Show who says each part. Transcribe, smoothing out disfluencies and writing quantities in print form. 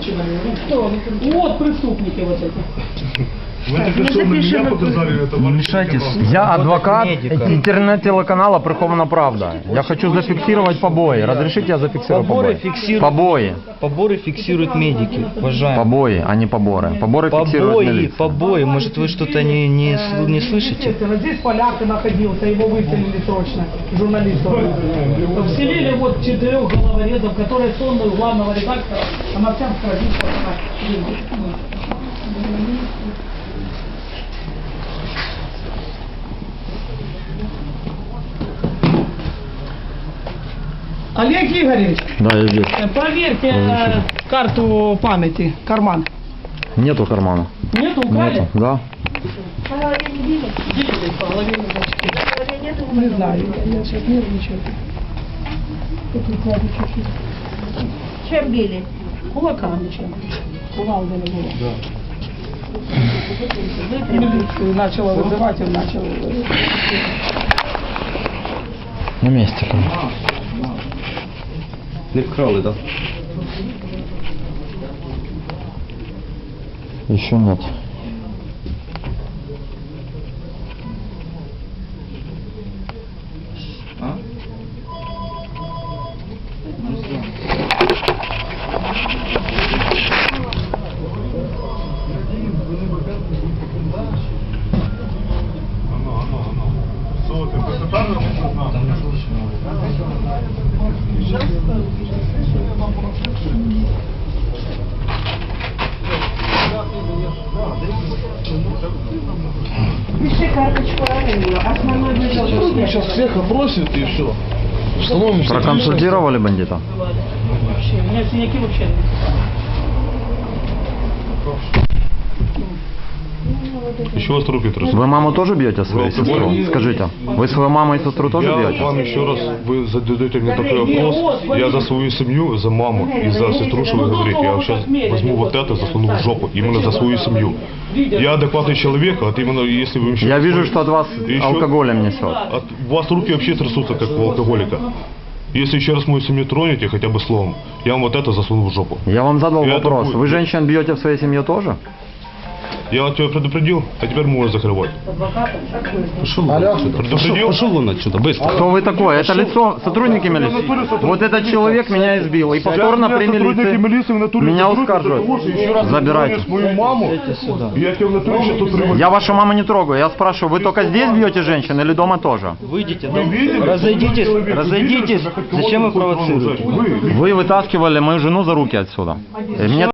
Speaker 1: Кто? Вот преступники вот эти.
Speaker 2: Вы только что на меня показали это.
Speaker 3: Не мешайтесь.
Speaker 4: Я адвокат интернет-телеканала «Прихована правда». Я хочу зафиксировать побои. Разрешите я зафиксирую
Speaker 3: Поборы
Speaker 4: побои?
Speaker 3: фиксируют.
Speaker 4: Побои.
Speaker 3: Поборы фиксируют медики, уважаемые.
Speaker 4: Побои, а не поборы. Поборы фиксируют милиция.
Speaker 3: Побои. Может, вы что-то не слышите?
Speaker 1: Вот здесь поляк находился, его выселили срочно, журналистов. Вселили вот 4 головорезов, которые сонные у главного редактора, а на всем страницах. Олег Игоревич,
Speaker 4: Да, я здесь.
Speaker 1: проверьте карту памяти, карман.
Speaker 4: Нету кармана.
Speaker 1: Нету, украли?
Speaker 4: Нету, да.
Speaker 1: Не знаю, я сейчас нервничаю. Тут укладу чуть-чуть.
Speaker 5: Чем били?
Speaker 1: Кулаками чем? Кувалдами было. Милицию начала вызывать, он начал.
Speaker 4: На месте.
Speaker 3: Не вкрали, да?
Speaker 4: Еще нет.
Speaker 5: Пиши карточку ранения, основной вызов.
Speaker 2: Сейчас всех опросят и все.
Speaker 4: Проконсультировали бандита?
Speaker 1: Вообще, у меня синяки вообще нет.
Speaker 2: Еще вас руки трясут.
Speaker 4: Вы маму тоже бьете, свою сестру? Скажите, вы свою маму и сестру тоже
Speaker 2: Я
Speaker 4: бьете?
Speaker 2: вам еще раз, вы задаете мне такой вопрос, я за свою семью, за маму и за сестру, что вы говорите, я сейчас возьму вот это, засуну в жопу, именно за свою семью. Я адекватный человек, а именно если вы еще...
Speaker 4: Я вижу, что от вас
Speaker 2: Еще-
Speaker 4: алкоголем несет.
Speaker 2: У вас руки вообще трясутся, как у алкоголика. Если еще раз мою семью тронете, хотя бы словом, я вам вот это засуну в жопу.
Speaker 4: Я вам задал
Speaker 2: Я
Speaker 4: вопрос.
Speaker 2: такой-
Speaker 4: Вы женщин бьете в своей семье тоже?
Speaker 2: Я тебя предупредил, а теперь можешь закрывать. Предупредил?
Speaker 3: Пошел вон отсюда, быстро.
Speaker 4: Кто вы такой? Это лицо сотрудники милиции? Вот этот человек меня избил. И повторно при милиции меня ускарживают. Забирайте.
Speaker 2: Мою маму, я тебя в натуре сейчас тут привожу.
Speaker 4: Я вашу маму не трогаю. Я спрашиваю, вы только здесь бьете женщин или дома тоже?
Speaker 3: Выйдите, да? Разойдитесь. Зачем вы провоцируете?
Speaker 4: Вы вытаскивали мою жену за руки отсюда. Мне